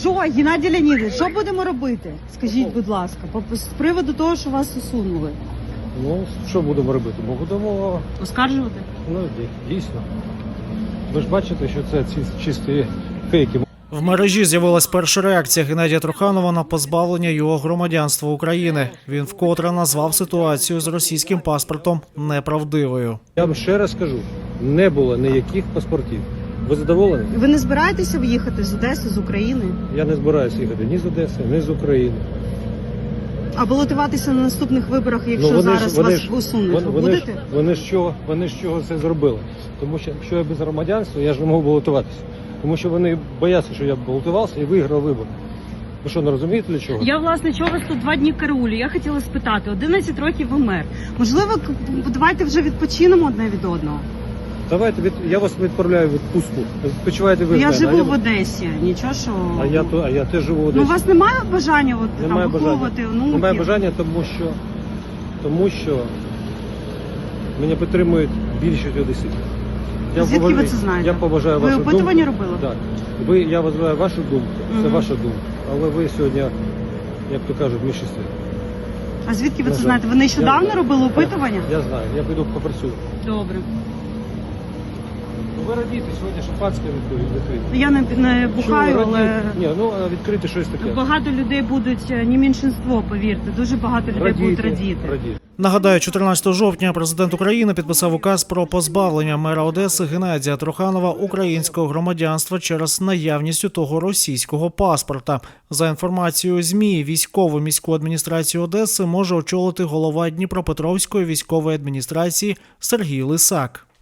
Що, Геннадій Леонідович, що будемо робити? Скажіть, будь ласка, з приводу того, що вас усунули. Ну, що будемо робити? Бо будемо, Оскаржувати? ну, дійсно. Ви ж бачите, що це чисті фейки. В мережі з'явилась перша реакція Геннадія Труханова на позбавлення його громадянства України. Він вкотре назвав ситуацію з російським паспортом неправдивою. Я вам ще раз кажу, не було ніяких паспортів. Ви задоволені? Ви не збираєтеся в'їхати з Одеси, з України? Я не збираюся їхати ні з Одеси, ні з України. А балотуватися на наступних виборах, якщо зараз вас усунуть, ви будете? Вони з чого це зробили? Тому що якщо я без громадянства, я ж не можу балотуватися. Тому що вони бояться, що я балотувався і виграв вибори. Ви що, не розумієте для чого? Я, власне, чого вас тут 2 дні караулю? Я хотіла спитати, 11 років ви мер. Можливо, давайте вже відпочинемо одне від одного? Давайте, я вас відправляю в відпустку. Відпочивайте ви. Я в мене, живу в Одесі, нічого що... А я теж живу в Одесі. Ну, у вас немає бажання Немає виховувати онуків? Немає бажання, тому що мене підтримують більшість одеситів. Звідки ви це знаєте? Я поважаю вашу думку. Ви опитування робили? Так. Я вважаю вашу думку, це ваша думка. Але ви сьогодні, як то кажуть, в меншинстві. А звідки ви це знаєте? Ви нещодавно робили опитування? Я знаю, я піду попрацюю. Добре. Ви радієте, сьогодні шампанське відкрите. Я не бухаю, але... Ні, ну відкрити щось таке. Багато людей будуть, не меншинство, повірте, дуже багато людей будуть радіти. Нагадаю, 14 жовтня президент України підписав указ про позбавлення мера Одеси Геннадія Труханова українського громадянства через наявність у того російського паспорта. За інформацією ЗМІ, військову міську адміністрацію Одеси може очолити голова Дніпропетровської військової адміністрації Сергій Лисак.